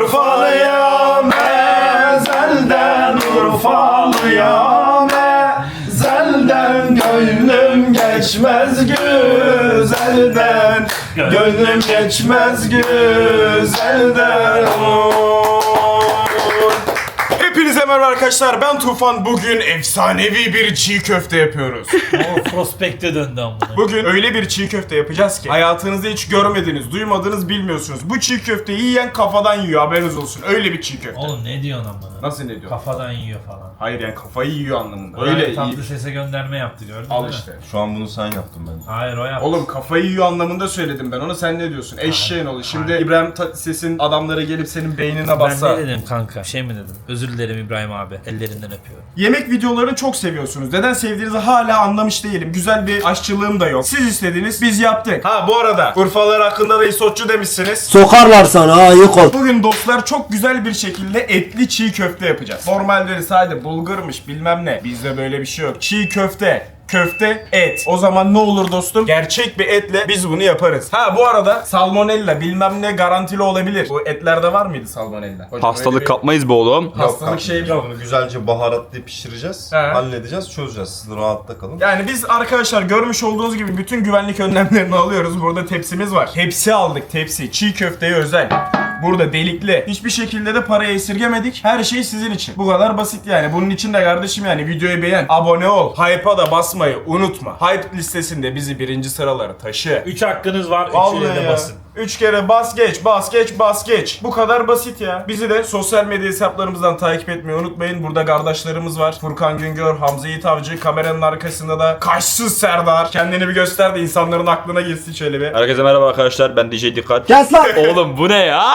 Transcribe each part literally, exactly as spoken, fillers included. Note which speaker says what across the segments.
Speaker 1: Urfalıyam ezelden, Urfalıyam ezelden. Gönlüm geçmez güzelden, gönlüm geçmez güzelden. Hepinize merhaba arkadaşlar, ben Tufan. Bugün efsanevi bir çiğ köfte yapıyoruz.
Speaker 2: O prospekte döndü amına.
Speaker 1: Bugün öyle bir çiğ köfte yapacağız ki hayatınızda hiç görmediniz, duymadınız, bilmiyorsunuz. Bu çiğ köfteyi yiyen kafadan yiyor, haberiniz olsun. Öyle bir çiğ köfte.
Speaker 2: Oğlum ne diyorsun amına?
Speaker 1: Nasıl ne diyor?
Speaker 2: Kafadan yiyor falan.
Speaker 1: Hayır yani kafayı yiyor anlamında.
Speaker 2: Öyle
Speaker 1: Öyle
Speaker 2: tatlı
Speaker 1: iyi.
Speaker 2: sese gönderme yaptı gördün
Speaker 1: Al
Speaker 2: mü?
Speaker 1: işte.
Speaker 3: Şu an bunu sen yaptın bence.
Speaker 2: Hayır o yaptı.
Speaker 1: Oğlum kafayı yiyor anlamında söyledim ben ona, sen ne diyorsun? Eşeğin oğlu. Şimdi İbrahim Tatlıses'in adamları gelip senin beynine
Speaker 2: ben
Speaker 1: bassa.
Speaker 2: ne dedim kanka? Şey mi dedim? Özür dilerim İbrahim abi. Ellerinden öpüyorum.
Speaker 1: Yemek videolarını çok seviyorsunuz. Neden sevdiğinizi hala anlamış değilim. Güzel bir aşçılığım da yok. Siz istediniz, biz yaptık. Ha bu arada Urfalılar hakkında da isotçu demişsiniz.
Speaker 4: Sokarlar sana ha, yık ol.
Speaker 1: Bugün dostlar çok güzel bir şekilde etli çiğ köfte yapacağız. Normalde sadece bulgurmuş bilmem ne. Bizde böyle bir şey yok. Çiğ köfte, köfte, et. O zaman ne olur dostum? Gerçek bir etle biz bunu yaparız. Ha bu arada salmonella bilmem ne garantili olabilir. Bu etlerde var mıydı salmonella? Hocam, öyle
Speaker 5: Hastalık
Speaker 1: bir
Speaker 5: kapmayız be oğlum.
Speaker 1: hastalık şey yok.
Speaker 3: Bunu güzelce baharatlı pişireceğiz,
Speaker 1: He.
Speaker 3: halledeceğiz, çözeceğiz. Siz rahatta kalın.
Speaker 1: Yani biz arkadaşlar görmüş olduğunuz gibi bütün güvenlik önlemlerini alıyoruz. Burada tepsimiz var. Tepsi aldık, tepsi. Çiğ köfteye özel. Burada delikli. Hiçbir şekilde de parayı esirgemedik. Her şey sizin için. Bu kadar basit yani. Bunun için de kardeşim yani videoyu beğen, abone ol, hype'a da basmayı unutma. Hype listesinde bizi birinci sıralara taşı.
Speaker 2: Üç hakkınız var. Üçüne
Speaker 1: Vallahi
Speaker 2: de
Speaker 1: ya.
Speaker 2: basın.
Speaker 1: Üç kere bas geç, bas geç, bas geç. Bu kadar basit ya. Bizi de sosyal medya hesaplarımızdan takip etmeyi unutmayın. Burada kardeşlerimiz var. Furkan Güngör, Hamza Yiğit Avcı. Kameranın arkasında da Kaşsız Serdar. Kendini bir göster de insanların aklına girsin şöyle bir.
Speaker 5: Herkese merhaba arkadaşlar, ben D J Dikkat.
Speaker 4: Kes lan.
Speaker 5: Oğlum bu ne ya?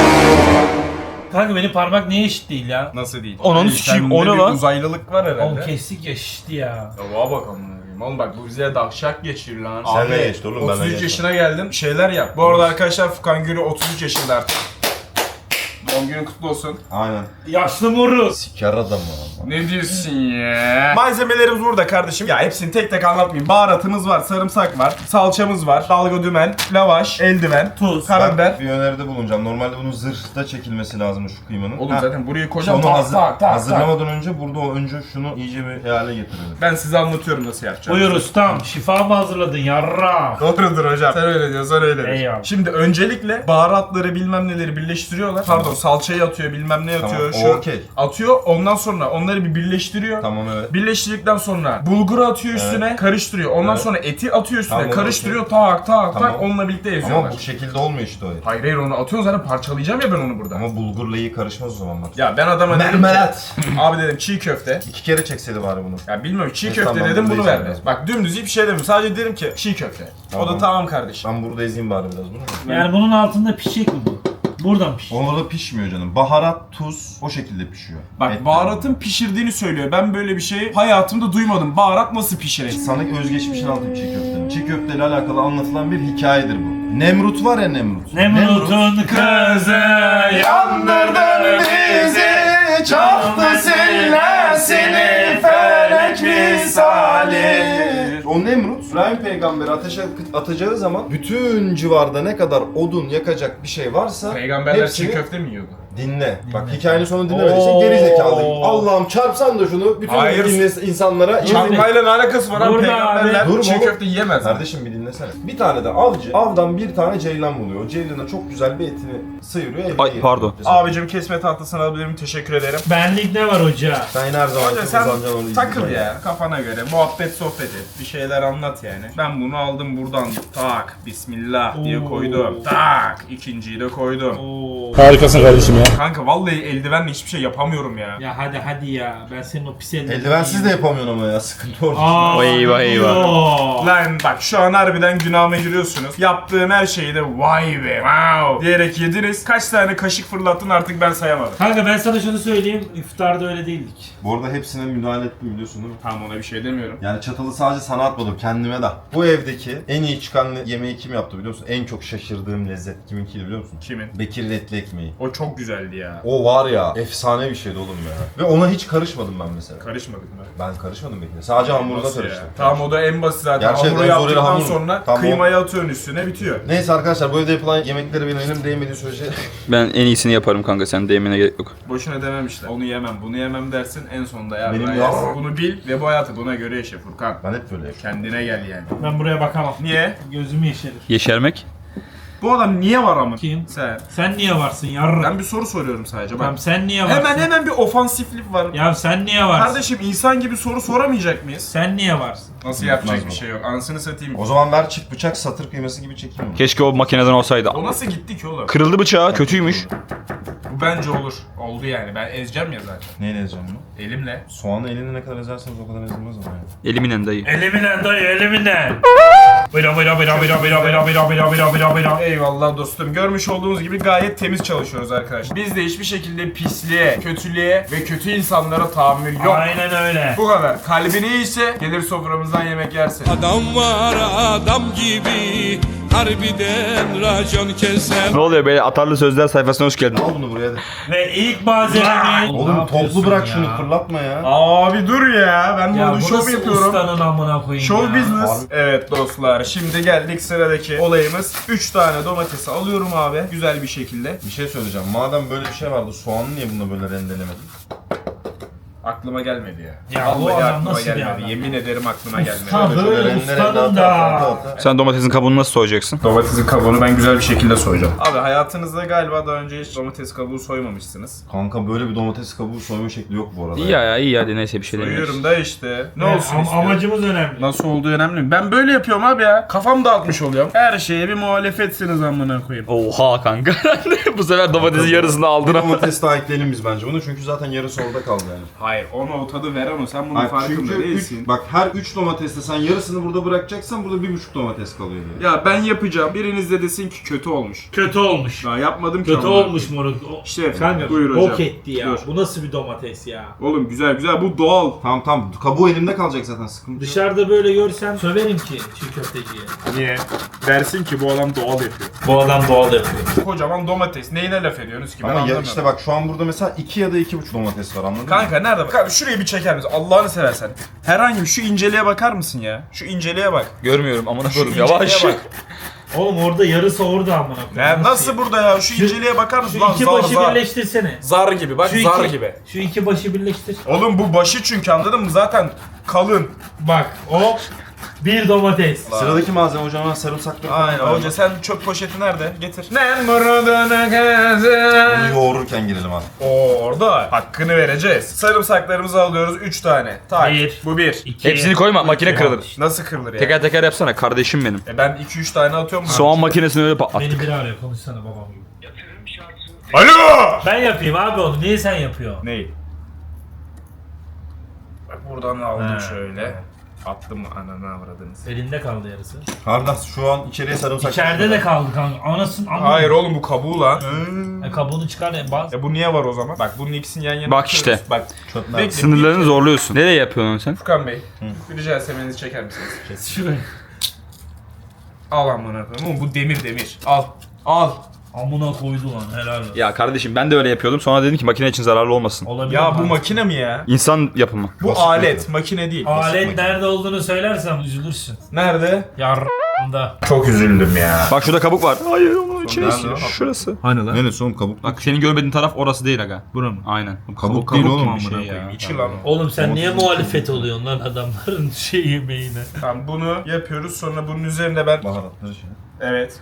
Speaker 2: Kanka benim parmak niye eşit değil ya?
Speaker 1: Nasıl değil?
Speaker 5: Ananı
Speaker 1: Yani
Speaker 5: sikeyim,
Speaker 1: sende
Speaker 5: o ne
Speaker 1: bir
Speaker 5: lan?
Speaker 1: uzaylılık var herhalde.
Speaker 2: Oğlum kestik ya şişti ya.
Speaker 1: Ya bana bak amına. Oğlum bak bu bize dahşak geçir lan.
Speaker 3: Sen
Speaker 1: Abi,
Speaker 3: ne geçti oğlum, benle
Speaker 1: otuz üç
Speaker 3: geçme.
Speaker 1: yaşına geldim. Şeyler yap. Bu arada arkadaşlar Furkan Gürü otuz üç yaşında artık. Doğum günün kutlu olsun.
Speaker 3: Aynen.
Speaker 2: Yaşlı moruz.
Speaker 3: Siker adamı ama.
Speaker 1: Ne diyorsun ya? Malzemelerimiz burada kardeşim. Ya hepsini tek tek anlatmayayım. Baharatımız var, sarımsak var, salçamız var, dalga dümen, lavaş, eldiven, tuz, karabiber.
Speaker 3: Ben bir öneride bulunacağım. Normalde bunun zırhta çekilmesi lazım şu kıymanın.
Speaker 1: Oğlum
Speaker 3: Ha.
Speaker 1: zaten burayı koyacağım.
Speaker 3: Onu
Speaker 1: Tak
Speaker 3: hazır,
Speaker 1: tak tak tak.
Speaker 3: hazırlamadan önce burada o önce şunu iyice bir hale getirelim.
Speaker 1: Ben size anlatıyorum nasıl yapacağım.
Speaker 2: Buyur ustam. Şifa mı hazırladın yarra?
Speaker 1: Doğrudur hocam. Sen öyle diyorsan öyle.
Speaker 2: Eyvallah.
Speaker 1: Şimdi öncelikle baharatları bilmem neleri birleştiriyorlar. Pardon salçayı atıyor bilmem ne atıyor.
Speaker 3: Tamam,
Speaker 1: Şu
Speaker 3: okey.
Speaker 1: atıyor. Ondan sonra onları bir birleştiriyor.
Speaker 3: Tamam evet.
Speaker 1: Birleştirdikten sonra bulguru atıyor üstüne,
Speaker 3: Evet.
Speaker 1: karıştırıyor. Ondan
Speaker 3: Evet.
Speaker 1: sonra eti atıyor üstüne,
Speaker 3: Tamam,
Speaker 1: karıştırıyor.
Speaker 3: okey.
Speaker 1: Tak tak
Speaker 3: Tamam.
Speaker 1: tak onunla birlikte eziyorlar.
Speaker 3: Ama bu şekilde olmuyor işte o et.
Speaker 1: Hayır hayır onu atıyorsun zaten parçalayacağım ya ben onu burada.
Speaker 3: Ama bulgurla iyi karışmaz o zaman bak.
Speaker 1: Ya ben adama dedim ki,
Speaker 3: Mermelat.
Speaker 1: abi dedim çiğ köfte.
Speaker 3: İki kere çekseydi bari bunu.
Speaker 1: Ya bilmiyorum çiğ
Speaker 3: E,
Speaker 1: köfte
Speaker 3: tamam,
Speaker 1: dedim bunu
Speaker 3: bunu
Speaker 1: verdi.
Speaker 3: yiyeceğim.
Speaker 1: Bak dümdüz hiçbir şey demedim. Sadece dedim ki çiğ köfte. O da
Speaker 3: Tamam.
Speaker 1: tamam kardeşim.
Speaker 3: Ben burada ezeyim bari biraz bunu.
Speaker 2: Yani bunun altında pişecek mi bu? Buradan piş.
Speaker 3: Orada pişmiyor canım. Baharat, tuz o şekilde pişiyor.
Speaker 1: Bak
Speaker 3: Et
Speaker 1: baharatın pişirdiğini söylüyor. Ben böyle bir şey hayatımda duymadım. Baharat nasıl pişirir?
Speaker 3: Sana özgeçmişini anlatayım çiğ köftenin. Çiğ köfteyle alakalı anlatılan bir hikayedir bu. Nemrut var ya Nemrut.
Speaker 2: Nemrut'un kızı
Speaker 1: Yandırdın bizi, çaktı seni felek misali.
Speaker 3: O Nemrut, İbrahim peygamberi ateşe atacağı zaman bütün civarda ne kadar odun yakacak bir şey varsa
Speaker 1: Peygamberler
Speaker 3: hepsini
Speaker 1: çiğ köfte mi yiyordu?
Speaker 3: dinle. Bak hikayenin sonunu dinlemediysen geri zekalı. Allah'ım çarpsan da şunu bütün
Speaker 1: Hayır.
Speaker 3: dinle insanlara
Speaker 1: Çarpmayla ne alakası var abi?
Speaker 2: Dur be
Speaker 1: Peygamberler
Speaker 3: abi. Dur
Speaker 1: çiğ
Speaker 3: oğlum.
Speaker 1: köfte yiyemez.
Speaker 3: Kardeşim bir dinlesene. Bir tane de avcı avdan bir tane ceylan buluyor. O ceylana çok güzel bir etini sıyırıyor. evine
Speaker 5: Ay,
Speaker 3: getiriyor.
Speaker 5: pardon.
Speaker 1: Abicim kesme tahtasını alabilirim. Teşekkür ederim.
Speaker 2: benlik ne var hoca?
Speaker 3: Sen yine her zaman
Speaker 1: Hoca sen
Speaker 3: uzanacaksın onu
Speaker 1: takıl
Speaker 3: izleyeceksin.
Speaker 1: ya kafana göre. Muhabbet sohbet et. Bir şeyler anlat yani. Ben bunu aldım buradan. Tak. Bismillah diye
Speaker 2: Oo.
Speaker 1: koydum. Tak. İkinciyi de koydum.
Speaker 2: Oo.
Speaker 4: Harikasın kardeşim ya.
Speaker 1: Kanka vallahi eldivenle hiçbir şey yapamıyorum ya.
Speaker 2: Ya hadi hadi ya. Ben senin o pis ellerini
Speaker 3: Eldivensiz de yapamıyorsun ama ya sıkıntı orada.
Speaker 2: Aa,
Speaker 5: Eyvah, eyvah.
Speaker 2: yok.
Speaker 1: Lan bak şu an harbiden günahıma giriyorsunuz. Yaptığım her şeyi de vay be wow diyerek yediniz. Kaç tane kaşık fırlattın artık ben sayamadım.
Speaker 2: Kanka ben sana şunu söyleyeyim. İftarda öyle değildik.
Speaker 3: Bu arada hepsine müdahale ettim biliyorsun değil mi?
Speaker 1: Tamam ona bir şey demiyorum.
Speaker 3: Yani çatalı sadece sana atmadım kendime de. Bu evdeki en iyi çıkan yemeği kim yaptı biliyor musun? En çok şaşırdığım lezzet kiminkiydi biliyor musun?
Speaker 1: Kimin?
Speaker 3: Bekir'in etli ekmeği.
Speaker 1: O çok güzeldi ya.
Speaker 3: O var ya efsane bir şeydi oğlum ya. Ve ona hiç karışmadım ben mesela.
Speaker 1: Karışmadık mı?
Speaker 3: Ben karışmadım Bekir'e. Sadece hamuruna
Speaker 1: Nasıl ya?
Speaker 3: karıştım.
Speaker 1: Tamam o da en basit zaten.
Speaker 3: Gerçekten
Speaker 1: Hamuru
Speaker 3: en zor
Speaker 1: yaptıktan
Speaker 3: hamur.
Speaker 1: sonra sonra
Speaker 3: Tamam.
Speaker 1: kıymayı atıyorsun üstüne bitiyor.
Speaker 3: Neyse arkadaşlar bu evde yapılan yemekleri benim elim değmediği sürece
Speaker 5: Ben en iyisini yaparım kanka, sen değmene gerek yok.
Speaker 1: Boşuna dememişler. Onu yemem, bunu yemem dersin en sonunda ya.
Speaker 3: Benim
Speaker 1: Benim
Speaker 3: ya.
Speaker 1: Bunu bil ve bu hayatı buna göre yaşa Furkan.
Speaker 3: ben hep böyle yapıyorum.
Speaker 1: Kendine gel yani.
Speaker 2: Ben buraya bakamam.
Speaker 1: Niye?
Speaker 2: Gözümü yeşerir.
Speaker 5: Yeşermek?
Speaker 1: Bu adam niye var ama?
Speaker 2: Kim?
Speaker 1: Sen.
Speaker 2: Sen niye varsın yarra?
Speaker 1: Ben bir soru soruyorum sadece bak.
Speaker 2: Tamam sen niye varsın?
Speaker 1: Hemen hemen bir ofansiflik var.
Speaker 2: Ya sen niye varsın?
Speaker 1: Kardeşim insan gibi soru soramayacak mıyız?
Speaker 2: Sen niye varsın?
Speaker 1: Nasıl
Speaker 3: Yapmaz
Speaker 1: yapacak
Speaker 3: mı?
Speaker 1: bir şey yok. Anasını satayım.
Speaker 3: O zaman ver çift bıçak satır kıyması gibi çekeyim mi?
Speaker 5: Keşke o makineden olsaydı.
Speaker 1: O nasıl gitti ki oğlum?
Speaker 5: Kırıldı bıçağı, kötüymüş.
Speaker 1: Bu bence olur. Oldu yani. Ben ezeceğim ya zaten.
Speaker 3: Neyle ezeceğim bunu?
Speaker 1: Elimle.
Speaker 3: Soğanı elinde ne kadar ezerseniz o kadar ezilmez ama yani.
Speaker 5: Eliminen dayı.
Speaker 2: Eliminen dayı eliminen. Bira bira bira bira bira bira bira bira bira bira bira.
Speaker 1: Eyvallah dostum. Görmüş olduğunuz gibi gayet temiz çalışıyoruz arkadaşlar. Bizde hiçbir şekilde pisliğe, kötülüğe ve kötü insanlara tahammül yok.
Speaker 2: Aynen öyle.
Speaker 1: Bu kadar. Kalbin iyiyse gelir soframızdan yemek yersin.
Speaker 6: Adam var adam gibi harbiden racon keser.
Speaker 5: Ne oluyor böyle atarlı sözler sayfasına hoş geldin.
Speaker 3: Al bunu buraya da.
Speaker 2: Ve ilk malzememiz...
Speaker 3: Oğlum toplu bırak şunu fırlatma ya.
Speaker 1: Abi dur ya. Ben
Speaker 2: Ya
Speaker 1: burada
Speaker 2: bu
Speaker 1: şov
Speaker 2: nasıl
Speaker 1: yapıyorum.
Speaker 2: ustanın amına koyayım
Speaker 1: Show
Speaker 2: ya.
Speaker 1: business. Evet dostlar. Şimdi geldik sıradaki olayımız. üç tane domatesi alıyorum abi. Güzel bir şekilde.
Speaker 3: Bir şey söyleyeceğim. Madem böyle bir şey vardı soğanı niye bununla böyle rendelemedin?
Speaker 1: Aklıma gelmedi ya.
Speaker 2: Ya bu
Speaker 1: Vallahi
Speaker 2: adam
Speaker 1: aklıma
Speaker 2: nasıl bir
Speaker 1: gelmedi.
Speaker 2: adam
Speaker 1: Yemin ederim aklıma gelmedi.
Speaker 2: Usta
Speaker 3: Şöyle
Speaker 2: böyle
Speaker 3: rende rende
Speaker 2: ustanın
Speaker 3: ata, ata,
Speaker 2: da.
Speaker 3: ata.
Speaker 5: Sen domatesin kabuğunu nasıl soyacaksın?
Speaker 1: Domatesin kabuğunu ben güzel bir şekilde soyacağım. Abi hayatınızda galiba daha önce hiç domates kabuğu soymamışsınız.
Speaker 3: Kanka böyle bir domates kabuğu soyma şekli yok bu arada.
Speaker 5: İyi ya, ya iyi hadi neyse bir şey demiyoruz.
Speaker 1: Soyuyorum da işte. Ne
Speaker 2: Evet,
Speaker 1: olsun
Speaker 2: am-
Speaker 1: istiyorum.
Speaker 2: Amacımız önemli.
Speaker 1: Nasıl olduğu önemli mi? Ben böyle yapıyorum abi ya. Kafam dağıtmış oluyorum. Her şeye bir muhalefetsiniz amına koyayım.
Speaker 5: Oha kanka. Bu sefer domatesin yarısını aldın
Speaker 3: Bir
Speaker 5: ama.
Speaker 3: domates daha ekleyelim biz bence bunu çünkü zaten yarısı orada kaldı yani.
Speaker 1: Hayır ona o tadı veren o. Sen bunun
Speaker 3: Hayır,
Speaker 1: farkında
Speaker 3: çünkü
Speaker 1: değilsin.
Speaker 3: üç, bak her üç domateste sen yarısını burada bırakacaksan burada bir buçuk domates kalıyor diye.
Speaker 1: Ya ben yapacağım. Biriniz de desin ki kötü olmuş.
Speaker 2: Kötü olmuş.
Speaker 1: Daha yapmadım ki.
Speaker 2: Kötü
Speaker 1: ama.
Speaker 2: olmuş moruk. O-
Speaker 1: İşte
Speaker 2: Kanka
Speaker 1: buyur hocam.
Speaker 2: bok etti ya.
Speaker 1: Dur.
Speaker 2: Bu nasıl bir domates ya?
Speaker 1: Oğlum güzel güzel bu doğal.
Speaker 3: Tamam tamam kabuğu elimde kalacak zaten sıkıntı yok.
Speaker 2: Dışarıda böyle görsem söverim ki çiğ köfteciye.
Speaker 1: Niye? Dersin ki bu adam doğal yapıyor.
Speaker 2: Bu adam doğal yapıyor.
Speaker 1: Kocaman domates. Neyine laf ediyorsunuz ki ben
Speaker 3: Ama ya
Speaker 1: anlamıyorum.
Speaker 3: işte bak şu an burada mesela iki ya da iki buçuk domates var anladın mı?
Speaker 1: Kanka nerede bak? Kanka şurayı bir çeker misin? Allah'ını seversen. Herhangi bir şu inceliğe bakar mısın ya? Şu inceliğe bak.
Speaker 5: Görmüyorum amına
Speaker 1: Şu
Speaker 5: koyayım
Speaker 1: inceliğe
Speaker 5: yavaş.
Speaker 1: bak.
Speaker 2: Oğlum orada yarısı orada amına koyayım.
Speaker 1: Ya nasıl burada ya? Şu inceliğe bakar mısın?
Speaker 2: Şu
Speaker 1: Lan
Speaker 2: iki
Speaker 1: zar
Speaker 2: başı
Speaker 1: zar.
Speaker 2: birleştirsene.
Speaker 1: Zar gibi bak
Speaker 2: Şu
Speaker 1: zar
Speaker 2: iki,
Speaker 1: gibi.
Speaker 2: Şu iki başı birleştir.
Speaker 1: Oğlum bu başı çünkü anladın mı? Zaten kalın.
Speaker 2: Bak o bir domates.
Speaker 3: Sıradaki malzeme hocam sarımsaklı
Speaker 1: Aynen hoca sen çöp poşeti nerede? Getir. Ne muradına kızım.
Speaker 3: Bunu yoğururken girelim abi.
Speaker 1: Oo orada hakkını vereceğiz. Sarımsaklarımızı alıyoruz üç tane. Tak.
Speaker 2: Bir.
Speaker 1: Bu bir.
Speaker 2: İki.
Speaker 5: Hepsini koyma, makine kırılır.
Speaker 1: Nasıl kırılır ya?
Speaker 5: Teker teker yapsana kardeşim benim.
Speaker 1: E ben iki üç tane atıyorum.
Speaker 5: Soğan makinesini öyle patlat.
Speaker 2: Beni biri arıyor konuşsana babam gibi.
Speaker 1: Alo!
Speaker 2: Ben yapayım abi onu. Niye sen yapıyorsun?
Speaker 1: Ney? Bak buradan aldım
Speaker 2: He.
Speaker 1: şöyle. Attım ananı avradınız.
Speaker 2: Elinde kaldı yarısı.
Speaker 3: Harbiden şu an içeriye sarımsak.
Speaker 2: İçeride de kaldı kanka. Anasın amma.
Speaker 1: Hayır oğlum bu kabuğu lan.
Speaker 2: E, kabuğunu çıkar ya baz.
Speaker 1: E bu niye var o zaman? Bak bunun ikisini yan yana
Speaker 5: Bak
Speaker 1: tutuyoruz.
Speaker 5: işte.
Speaker 1: Bak.
Speaker 3: Çöpler.
Speaker 1: Bekle,
Speaker 5: Sınırlarını
Speaker 1: bir-
Speaker 5: zorluyorsun. Nereye yapıyorsun sen?
Speaker 1: Furkan Bey. Bir rica etsem elinizi çeker misiniz?
Speaker 2: Şuraya.
Speaker 1: Al amına koyayım. Oğlum bu demir demir. Al. Al.
Speaker 2: Amına koydu lan helal olsun.
Speaker 5: Ya kardeşim ben de öyle yapıyordum. Sonra dedim ki makine için zararlı olmasın.
Speaker 2: Olabilir
Speaker 1: Ya bu
Speaker 2: mi?
Speaker 1: makine mi ya?
Speaker 5: İnsan yapımı.
Speaker 1: Bu
Speaker 3: Basit
Speaker 1: alet,
Speaker 3: makine.
Speaker 1: makine değil.
Speaker 2: Alet nerede olduğunu söylersem üzülürsün.
Speaker 1: Nerede?
Speaker 2: Yarrağında.
Speaker 1: Çok üzüldüm ya.
Speaker 5: Bak şurada kabuk var. Hayır onun içine
Speaker 3: Nerede
Speaker 5: işiyor.
Speaker 3: o?
Speaker 5: Şurası.
Speaker 1: Hani lan?
Speaker 3: Neresi oğlum kabuk?
Speaker 5: Bak senin görmediğin taraf orası değil aga.
Speaker 1: Bura mı?
Speaker 5: Aynen.
Speaker 3: Kabuk değil oğlum.
Speaker 5: gibi bir şey ya.
Speaker 1: İçi lan.
Speaker 2: Oğlum sen niye
Speaker 3: Domates
Speaker 2: muhalefet oluyorsun lan adamların şey yemeğine?
Speaker 1: Tamam bunu yapıyoruz sonra bunun üzerine ben...
Speaker 3: Baharatları şey.
Speaker 1: Evet.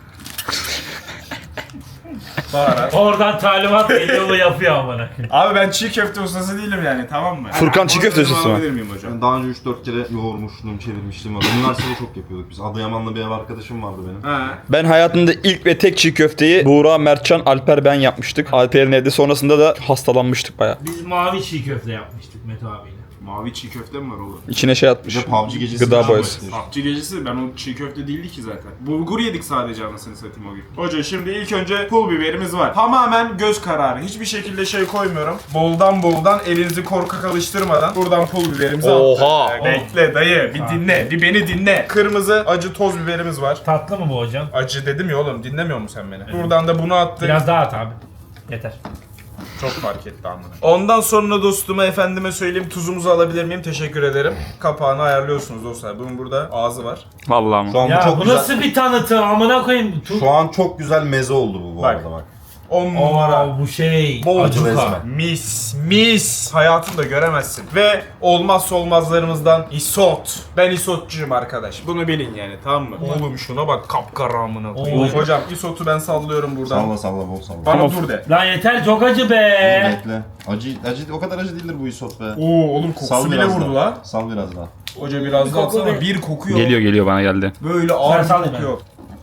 Speaker 1: Baharat.
Speaker 2: Oradan talimat geliyor ve yapıyor amına koyayım.
Speaker 1: Abi ben çiğ köfte ustası değilim yani tamam mı?
Speaker 5: Furkan çiğ köfte ustası mı?
Speaker 1: Alabilir miyim hocam?
Speaker 3: Ben daha önce üç dört kere yoğurmuşluğum, çevirmişliğim var. Üniversitede çok yapıyorduk biz. Adıyaman'da bir ev arkadaşım vardı benim.
Speaker 1: Ha.
Speaker 5: Ben hayatımda ilk ve tek çiğ köfteyi Buğra, Mertcan, Alper ben yapmıştık. Alper'in evde sonrasında da hastalanmıştık baya.
Speaker 2: Biz mavi çiğ köfte yapmıştık Mete abiyle.
Speaker 1: Mavi çiğ köfte mi var oğlum?
Speaker 5: İçine şey atmış.
Speaker 3: Bir de P U B G gecesi.
Speaker 5: Gıda
Speaker 3: bir
Speaker 5: boyası.
Speaker 3: şey var.
Speaker 1: Akçı gecesi ben o çiğ köfte değildi ki zaten. Bulgur yedik sadece anasını satayım o gün. Hoca şimdi ilk önce pul biberimiz var. Tamamen göz kararı. Hiçbir şekilde şey koymuyorum. Boldan boldan elinizi korkak alıştırmadan buradan pul biberimizi
Speaker 5: Oha!
Speaker 1: attık. Bekle dayı bir dinle. Bir beni dinle. Kırmızı acı toz biberimiz var.
Speaker 2: Tatlı mı bu hocam?
Speaker 1: Acı dedim ya oğlum dinlemiyor musun sen beni? Buradan da bunu attık.
Speaker 2: Biraz daha at abi. Yeter.
Speaker 1: Çok fark etti amına. Ondan sonra dostuma efendime söyleyeyim tuzumuzu alabilir miyim? Teşekkür ederim. Kapağını ayarlıyorsunuz dostlar. Bunun burada ağzı var.
Speaker 5: Vallahi mı?
Speaker 3: Şu an bu
Speaker 2: Ya
Speaker 3: çok
Speaker 2: bu
Speaker 3: güzel.
Speaker 2: nasıl bir tanıtım amına koyayım. Tu-
Speaker 3: Şu an çok güzel meze oldu bu bu
Speaker 1: Bak.
Speaker 3: arada bak.
Speaker 1: on numara.
Speaker 2: Oo, bu şey.
Speaker 1: Bol
Speaker 3: Acı
Speaker 1: cuka.
Speaker 3: ezme.
Speaker 1: Mis mis. Hayatında göremezsin. Ve olmazsa olmazlarımızdan isot. Ben isotçuyum arkadaş. Bunu bilin yani, tamam mı? Oğlum şuna bak, kapkara amına koyayım.
Speaker 2: Oo.
Speaker 1: Hocam isotu ben sallıyorum buradan.
Speaker 3: Salla salla bol salla.
Speaker 1: Bana
Speaker 5: Tamam.
Speaker 1: dur de.
Speaker 2: Lan yeter, çok acı be.
Speaker 3: Bekle. Acı, acı o kadar acı değildir bu isot be.
Speaker 1: Oo oğlum kokusu
Speaker 3: Sal
Speaker 1: bile
Speaker 3: biraz
Speaker 1: vurdu
Speaker 3: daha.
Speaker 1: la.
Speaker 3: Sal biraz daha.
Speaker 1: Hoca biraz
Speaker 2: Bir
Speaker 1: daha
Speaker 2: koku
Speaker 1: atsana.
Speaker 2: be.
Speaker 1: Bir kokuyor.
Speaker 5: Geliyor geliyor bana geldi.
Speaker 1: Böyle ağır
Speaker 2: sal
Speaker 1: bir
Speaker 2: hemen.
Speaker 1: kokuyor.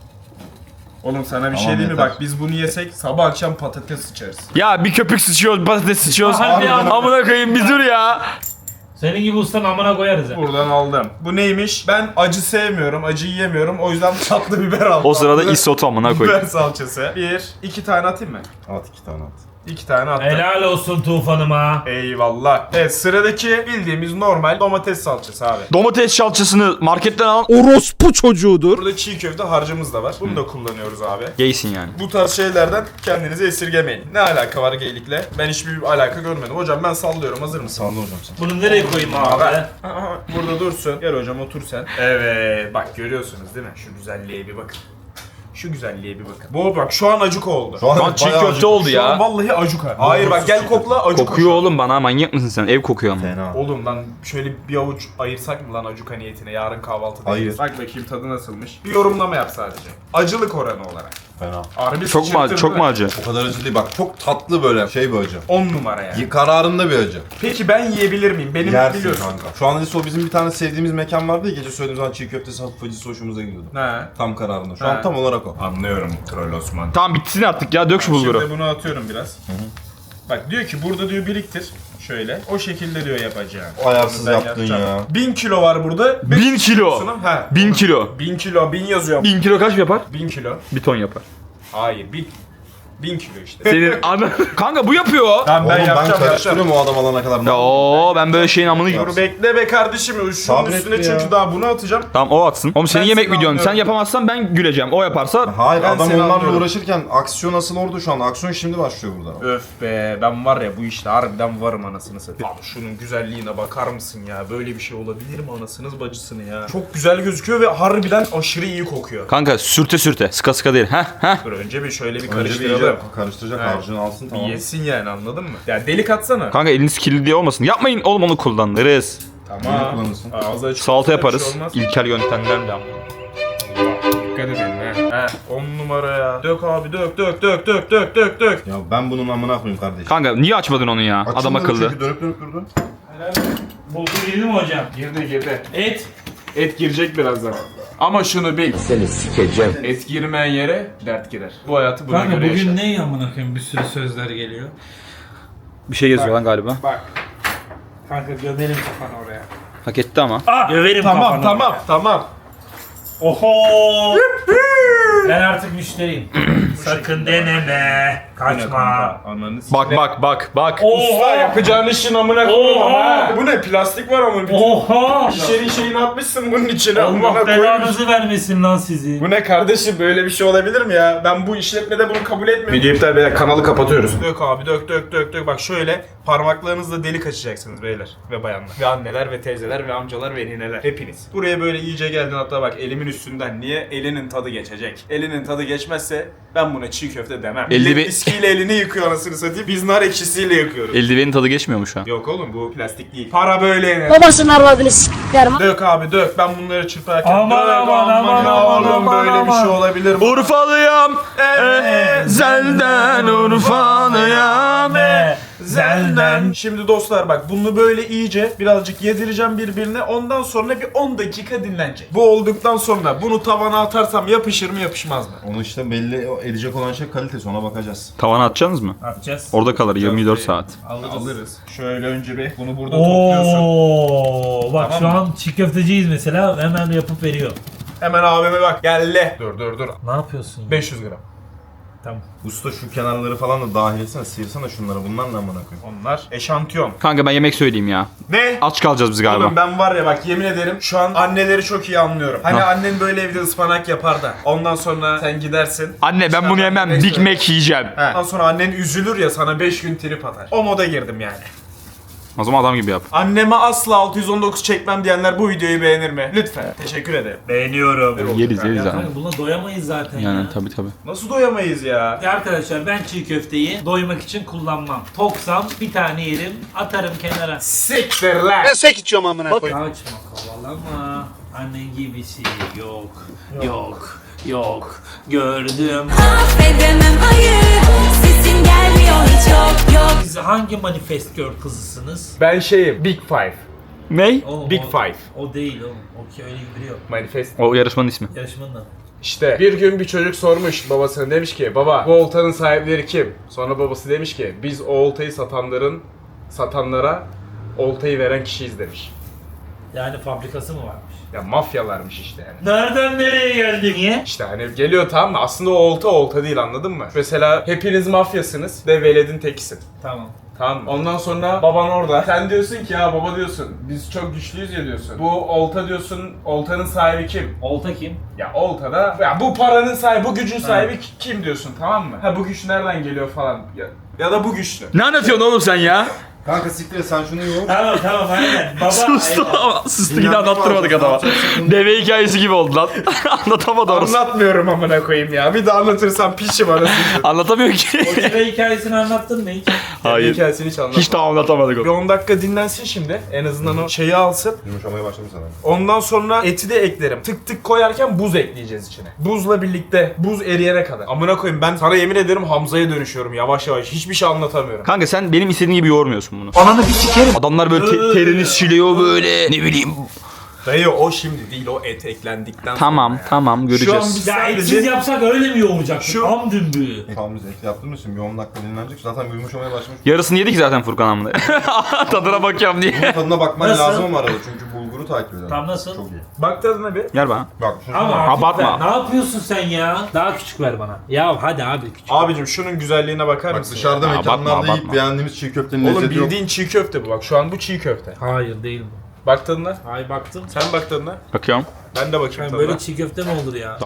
Speaker 1: Oğlum sana bir
Speaker 3: Tamam,
Speaker 1: şey diyeyim mi?
Speaker 3: yeter.
Speaker 1: Bak biz bunu yesek sabah akşam patates sıçarız.
Speaker 5: Ya bir köpük sıçıyoruz, patates sıçıyoruz.
Speaker 2: Harbi ya.
Speaker 5: Amına koyayım bir dur ya.
Speaker 2: Senin gibi ustan amına koyarız ya.
Speaker 1: Buradan aldım. Bu neymiş? Ben acı sevmiyorum, acı yiyemiyorum. O yüzden tatlı biber aldım.
Speaker 5: O sırada
Speaker 1: Tatlı
Speaker 5: isot amına
Speaker 1: biber
Speaker 5: koyayım.
Speaker 1: salçası. Bir, iki tane atayım mı?
Speaker 3: At iki tane at.
Speaker 1: İki tane attım.
Speaker 2: Helal olsun Tufan'ıma.
Speaker 1: Eyvallah. Evet, sıradaki bildiğimiz normal domates salçası abi.
Speaker 5: Domates salçasını marketten alan
Speaker 4: Orospu çocuğudur.
Speaker 1: Burada çiğ köfte harcımız da var. Bunu da kullanıyoruz abi.
Speaker 5: gaysin yani.
Speaker 1: Bu tarz şeylerden kendinizi esirgemeyin. Ne alaka var geylikle? Ben hiçbir alaka görmedim. Hocam ben sallıyorum. Hazır mısın?
Speaker 3: Salla hocam sen.
Speaker 2: Bunu nereye koyayım abi?
Speaker 1: Aha, burada dursun. Gel hocam otur sen. Evet, bak görüyorsunuz değil mi? Şu güzelliğe bir bakın. Şu güzelliğe bir bakın. Bu bak şu an acık oldu.
Speaker 3: Şu an,
Speaker 5: Lan çiğ
Speaker 3: bayağı
Speaker 5: köfte
Speaker 3: acı.
Speaker 5: oldu
Speaker 1: Şu an
Speaker 5: ya.
Speaker 1: vallahi acuka. Hayır bak gel kokla acuka.
Speaker 5: Kokuyor oğlum bana, manyak mısın sen? Ev kokuyor ama.
Speaker 3: Fena.
Speaker 1: Oğlum lan şöyle bir avuç ayırsak mı lan acuka niyetine yarın kahvaltıda
Speaker 3: Hayır.
Speaker 1: yeriz. Bak bakayım tadı nasılmış. Bir yorumlama yap sadece. Acılık oranı olarak.
Speaker 3: Fena.
Speaker 1: Harbi
Speaker 5: Çok mu acı?
Speaker 1: sıçırtır
Speaker 5: Çok
Speaker 1: değil
Speaker 5: mu
Speaker 1: mi?
Speaker 5: acı?
Speaker 3: O kadar acı değil bak, çok tatlı böyle şey bir acı.
Speaker 1: on numara yani.
Speaker 3: Y- Kararında bir acı.
Speaker 1: Peki ben yiyebilir miyim? Benim
Speaker 3: Yersin
Speaker 1: biliyorsun.
Speaker 3: kanka. Şu an Aliso bizim bir tane sevdiğimiz mekan vardı ya, gece söylediğimiz zaman çiğ köftesi hafif acısı hoşumuza gidiyordu.
Speaker 1: He.
Speaker 3: Tam kararında. Şu
Speaker 1: He.
Speaker 3: an tam olarak o.
Speaker 1: Anlıyorum Troll Osman.
Speaker 5: Tamam bitsin artık ya, dök şu bulguru.
Speaker 1: Şimdi bunu atıyorum biraz. Bak diyor ki burada diyor biriktir. Şöyle. O şekilde diyor yapacağım.
Speaker 3: O ayarsız
Speaker 1: Onu ben
Speaker 3: yaptın
Speaker 1: yapacağım.
Speaker 3: ya.
Speaker 1: Bin kilo var burada.
Speaker 5: Bin kilo.
Speaker 1: He.
Speaker 5: Bin kilo.
Speaker 1: Bin kilo. Bin yazıyor.
Speaker 5: Bin kilo kaç yapar?
Speaker 1: Bin kilo.
Speaker 5: Bir ton yapar.
Speaker 1: Hayır. Bin. Bin kilo işte.
Speaker 5: Senin ana... Kanka bu yapıyor.
Speaker 1: Tamam ben
Speaker 3: Oğlum ben
Speaker 1: yapacağım yapacağım.
Speaker 3: karıştırıyorum o adam alana kadar.
Speaker 5: Ya oo ben böyle şeyin amını...
Speaker 1: Dur bekle be kardeşim. Şunun
Speaker 3: Sabret
Speaker 1: üstüne
Speaker 3: ya.
Speaker 1: çünkü daha bunu atacağım.
Speaker 5: Tamam o atsın. Oğlum senin
Speaker 1: Ben
Speaker 5: yemek
Speaker 1: seni
Speaker 5: videon. Sen
Speaker 1: anlıyorum.
Speaker 5: yapamazsan ben güleceğim. O yaparsa...
Speaker 3: Hayır,
Speaker 1: Ben
Speaker 3: adam
Speaker 1: seni
Speaker 3: onlarla
Speaker 1: anlıyorum.
Speaker 3: uğraşırken aksiyon asıl orada şu an. Aksiyon şimdi başlıyor burada.
Speaker 1: Öf be ben var ya bu işte harbiden varım anasını satayım. Abi şunun güzelliğine bakar mısın ya? Böyle bir şey olabilir mi anasınız bacısını ya? Çok güzel gözüküyor ve harbiden aşırı iyi kokuyor.
Speaker 5: Kanka sürte sürte. Sıka sıka değil. Heh heh.
Speaker 1: Dur önce bir şöyle bir
Speaker 3: Önce bir
Speaker 1: karıştıralım.
Speaker 3: iyice karıştıracak,
Speaker 1: He.
Speaker 3: harcını alsın
Speaker 1: Bir
Speaker 3: tamam.
Speaker 1: yesin yani, anladın mı? Ya delik atsana.
Speaker 5: Kanka eliniz kirli diye olmasın. Yapmayın oğlum, onu kullanırız.
Speaker 3: Bunu
Speaker 1: Tamam.
Speaker 3: kullanırsın.
Speaker 1: Ağzı açık.
Speaker 5: Salata
Speaker 1: olsa bir
Speaker 5: yaparız.
Speaker 1: şey olmaz.
Speaker 5: İlkel yöntemlerle.
Speaker 1: Dikkat edin ha. He on numara ya. Dök abi dök dök dök dök dök dök dök.
Speaker 3: Ya ben bunun amına koyayım kardeşim.
Speaker 5: Kanka niye açmadın onu ya? Adam
Speaker 3: Açılmadı
Speaker 5: akıllı.
Speaker 3: çünkü dönüp dönüp durdu.
Speaker 2: Bulgur yedi mi hocam?
Speaker 1: Girdi girdi.
Speaker 2: Et.
Speaker 1: Et girecek birazdan. Ama şunu bil.
Speaker 4: Seni sikeceğim.
Speaker 1: Et girmeyen yere dert girer. Bu hayatı buna
Speaker 2: Kanka
Speaker 1: göre
Speaker 2: bugün
Speaker 1: yaşa.
Speaker 2: ne amına koyayım, bir sürü sözler geliyor.
Speaker 5: Bir şey yazıyor lan galiba.
Speaker 1: Bak.
Speaker 2: Kanka gömerim kafanı oraya.
Speaker 5: Hak etti ama.
Speaker 2: Ah! Göverim
Speaker 1: Tamam
Speaker 2: kafanı
Speaker 1: tamam
Speaker 2: oraya.
Speaker 1: tamam.
Speaker 2: Oho! Ben artık müşteriyim. Sakın deneme. Kaçma.
Speaker 1: Ananı s-
Speaker 5: Bak bak bak bak.
Speaker 1: Usta
Speaker 2: Oha!
Speaker 1: yapacağın işin amına koyayım ama.
Speaker 2: Oha!
Speaker 1: ha. Bu ne plastik var ama bütün
Speaker 2: Oha!
Speaker 1: şişenin şeyini atmışsın bunun içine. amına
Speaker 2: Allah
Speaker 1: koymuş.
Speaker 2: belanızı vermesin lan sizi.
Speaker 1: Bu ne kardeşim, böyle bir şey olabilir mi ya? Ben bu işletmede bunu kabul etmiyorum. Video iptal beyler, kanalı kapatıyoruz. Dök abi dök dök dök dök. Bak şöyle parmaklarınızla delik açacaksınız beyler ve bayanlar. Ve anneler ve teyzeler ve amcalar ve nineler. Hepiniz. Buraya böyle iyice geldin, hatta bak elimin üstünden. Niye? Elinin tadı geçecek. Elinin tadı geçmezse ben buna çiğ köfte demem.
Speaker 5: Elde
Speaker 1: Millet
Speaker 5: bir-
Speaker 1: viskiyle elini yıkıyor anasını satayım. Biz nar ekşisiyle yıkıyoruz.
Speaker 5: Eldivenin tadı geçmiyor mu şu an?
Speaker 1: Yok oğlum bu plastik değil. Para böyle yenir.
Speaker 7: Babasının arvadını s**lerim.
Speaker 1: Dök abi dök. Ben bunları çırparken
Speaker 2: Aman,
Speaker 1: dök.
Speaker 2: aman, aman,
Speaker 1: ya
Speaker 2: aman,
Speaker 1: oğlum,
Speaker 2: aman,
Speaker 1: böyle bir
Speaker 2: aman.
Speaker 1: şey olabilir mi?
Speaker 5: Urfalıyam.
Speaker 1: Evet.
Speaker 5: Ezelden Urfalıyam.
Speaker 2: Be, Zelden.
Speaker 1: Şimdi dostlar bak bunu böyle iyice birazcık yedireceğim birbirine. Ondan sonra bir on dakika dinlenecek. Bu olduktan sonra bunu tavana atarsam yapışır mı yapışmaz mı?
Speaker 3: Onu işte belli edecek olan şey kalitesi, ona bakacağız.
Speaker 5: Tavana atacaksınız mı?
Speaker 2: Atacağız.
Speaker 5: Orada kalır yirmi dört saat.
Speaker 1: Alırız. Şöyle önce bir bunu burada topluyorsun.
Speaker 2: Oo, bak
Speaker 1: Tamam
Speaker 2: şu
Speaker 1: mı?
Speaker 2: an çiğ köfteciyiz mesela, hemen yapıp veriyor.
Speaker 1: Hemen abime bak. Gelle. Dur dur dur.
Speaker 2: Ne yapıyorsun ya?
Speaker 1: beş yüz gram.
Speaker 2: Tamam.
Speaker 3: Usta şu kenarları falan da dahil etsene, sıyırsana şunları. Bunlar ne amına koyayım?
Speaker 1: Onlar eşantiyon.
Speaker 5: Kanka ben yemek söyleyeyim ya.
Speaker 1: Ne?
Speaker 5: Aç kalacağız biz galiba.
Speaker 1: Oğlum ben var ya bak yemin ederim şu an anneleri çok iyi anlıyorum. Hani
Speaker 5: Ha.
Speaker 1: annen böyle evde ıspanak yapar da ondan sonra sen gidersin.
Speaker 5: Anne ben bunu yemem.
Speaker 1: Neyse.
Speaker 5: Big Mac yiyeceğim.
Speaker 1: He. Ondan sonra annen üzülür ya sana beş gün trip atar. O moda girdim yani.
Speaker 5: O zaman adam gibi yap.
Speaker 1: Anneme asla altı yüz on dokuz çekmem diyenler bu videoyu beğenir mi? Lütfen. Teşekkür ederim.
Speaker 2: Beğeniyorum.
Speaker 5: Yeriz yeriz abi.
Speaker 8: Kanka buna doyamayız zaten
Speaker 5: Yani
Speaker 8: ya.
Speaker 5: tabii tabii.
Speaker 1: Nasıl doyamayız ya?
Speaker 8: Ya arkadaşlar ben çiğ köfteyi doymak için kullanmam. Toksam bir tane yerim, atarım kenara.
Speaker 1: Siktir lan.
Speaker 8: Kaçma kovalama. Annen gibisi yok. Yok. Yok. Gördüm.
Speaker 9: Affedemem hayır, sesin gelmiyor hiç yok yok.
Speaker 8: Siz hangi manifest girl kızısınız?
Speaker 1: Ben şeyim Big Five.
Speaker 5: Ney?
Speaker 8: Oğlum,
Speaker 1: Big
Speaker 8: o,
Speaker 1: Five.
Speaker 8: O değil oğlum. O ki öyle biri yok.
Speaker 1: Manifest.
Speaker 5: O yarışmanın ismi.
Speaker 8: Yarışmanın adı.
Speaker 1: İşte bir gün bir çocuk sormuş babasına, demiş ki baba bu oltanın sahipleri kim? Sonra babası demiş ki biz o oltayı satanların satanlara oltayı veren kişiyiz demiş.
Speaker 8: Yani fabrikası mı varmış?
Speaker 1: Ya mafyalarmış işte yani.
Speaker 8: Nereden nereye geldik? Niye?
Speaker 1: İşte hani geliyor tamam mı? Aslında o olta olta değil, anladın mı? Mesela hepiniz mafyasınız ve veledin tekisin.
Speaker 8: Tamam.
Speaker 1: Tamam mı? Ondan sonra baban orada. Sen diyorsun ki ya baba diyorsun biz çok güçlüyüz ya diyorsun. Bu olta diyorsun, oltanın sahibi kim?
Speaker 8: Olta kim?
Speaker 1: Ya oltada ya bu paranın sahibi, bu gücün sahibi ki- kim diyorsun, tamam mı? Ha bu güç nereden geliyor falan. Ya, ya da bu güçlü.
Speaker 5: Ne anlatıyorsun oğlum sen ya?
Speaker 3: Kanka siktir et, sen şunu yoğur.
Speaker 8: Tamam tamam aynen. Baba
Speaker 5: Sustu ama sustu yine
Speaker 3: Dinlenme
Speaker 5: anlattırmadık
Speaker 3: var,
Speaker 5: adama.
Speaker 3: ne
Speaker 5: Deve hikayesi gibi oldu lan. Anlatamadı orası.
Speaker 1: Anlatmıyorum amına koyayım ya. Bir de anlatırsam pişim arasını.
Speaker 5: Anlatamıyor ki.
Speaker 8: O deve hikayesini anlattın mı hiç?
Speaker 5: Hayır.
Speaker 1: Hikayesini hiç anlatmadım.
Speaker 5: Hiç daha anlatamadık
Speaker 1: Bir
Speaker 5: o.
Speaker 1: on dakika dinlensin şimdi. En azından o şeyi alsın.
Speaker 3: Yumuşamaya başladım sana.
Speaker 1: Ondan sonra eti de eklerim. Tık tık koyarken buz ekleyeceğiz içine. Buzla birlikte buz eriyene kadar. Amına koyayım ben sana yemin ederim Hamza'ya dönüşüyorum yavaş yavaş. Hiçbir şey anlatamıyorum.
Speaker 5: Kanka sen benim istediğim gibi yoğurmuyorsun bunu. Ananı bir sikerim. Adamlar böyle te- terini siliyor böyle. Ne bileyim.
Speaker 1: Dayı o şimdi değil, o et eklendikten
Speaker 5: Tamam
Speaker 1: sonra. ya.
Speaker 5: tamam
Speaker 1: Şu an
Speaker 5: göreceğiz.
Speaker 1: biz
Speaker 8: Ya
Speaker 1: sadece...
Speaker 8: etsiz yapsak öyle mi yoğuracaktık?
Speaker 1: Şu-
Speaker 8: Am dümbüğü.
Speaker 3: Tamam biz et yaptığımız için bir on dakika dinlenecek. Zaten bir yumuşamaya başlamış.
Speaker 5: Yarısını yedik zaten Furkan amına. Tadına bakıyorum
Speaker 3: Bunun
Speaker 5: diye.
Speaker 3: tadına bakman
Speaker 8: Nasıl?
Speaker 3: lazım ama arada çünkü bulguru takip edelim.
Speaker 8: Tam nasıl?
Speaker 3: Çok iyi.
Speaker 1: Bak tadına bir.
Speaker 5: Gel bana.
Speaker 3: Bak şunu
Speaker 8: Ama
Speaker 3: bak.
Speaker 8: hafif
Speaker 5: Abartma.
Speaker 8: ver. Ne yapıyorsun sen ya? Daha küçük ver bana. Ya hadi abi küçük.
Speaker 1: Abicim şunun güzelliğine bakar
Speaker 3: Bak
Speaker 1: mısın?
Speaker 3: dışarıda
Speaker 5: Ya,
Speaker 3: mekanlarda
Speaker 5: abartma,
Speaker 3: yiyip
Speaker 5: abartma.
Speaker 3: beğendiğimiz çiğ köftenin
Speaker 1: Oğlum
Speaker 3: lezzeti yok.
Speaker 1: bildiğin çiğ köfte bu bak. Şu an bu çiğ köfte.
Speaker 8: Hayır değil bu.
Speaker 1: Bak tadına.
Speaker 8: Hayır baktım.
Speaker 1: Sen bak tadına.
Speaker 5: Bakıyorum.
Speaker 1: Ben de bakayım
Speaker 8: Yani
Speaker 1: tadına.
Speaker 8: böyle çiğ köfte mi olur ya?